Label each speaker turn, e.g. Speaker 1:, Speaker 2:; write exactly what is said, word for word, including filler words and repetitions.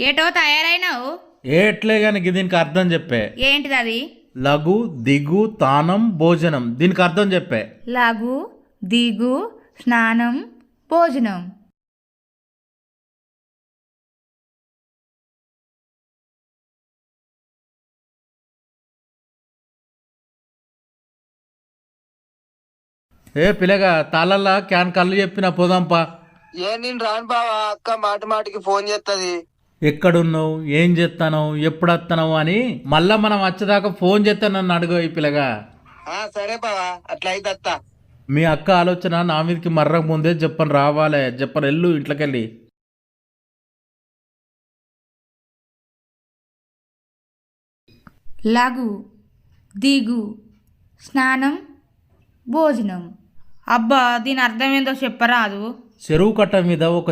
Speaker 1: ఏటో తయారైనావు?
Speaker 2: ఏట్లే గాని దీనికి అర్థం చెప్పే.
Speaker 1: ఏంటిది అది?
Speaker 2: లఘు దిగు తానం భోజనం, దీనికి అర్థం చెప్పే.
Speaker 1: లఘు దిగు స్నానం భోజనం.
Speaker 2: ఏ పిల్లగా తాళల్లా క్యాన్ కళ్ళు చెప్పిన పోదాంపా.
Speaker 3: ఏ నేను రాను బావా, అక్క మాటి మాటికి ఫోన్ చేస్తుంది.
Speaker 2: ఎక్కడున్నావు, ఏం చేస్తాను, ఎప్పుడు వస్తావు అని మళ్ళా మనం వచ్చేదాకా ఫోన్ చేస్తాను నన్ను అడుగు ఈ పిల్లగా.
Speaker 3: ఆ సరే బావా, అట్లా అయితే అత్తా.
Speaker 2: మీ అక్క ఆలోచన నా మీదకి మర్రకు ముందే చెప్పను రావాలే, చెప్పను వెళ్ళు ఇంట్లోకెళ్ళి.
Speaker 1: లఘు దిగు స్నానం భోజనం. అబ్బా దీని అర్థం ఏందో చెప్పరాదు?
Speaker 2: చెరువు కట్ట మీద ఒక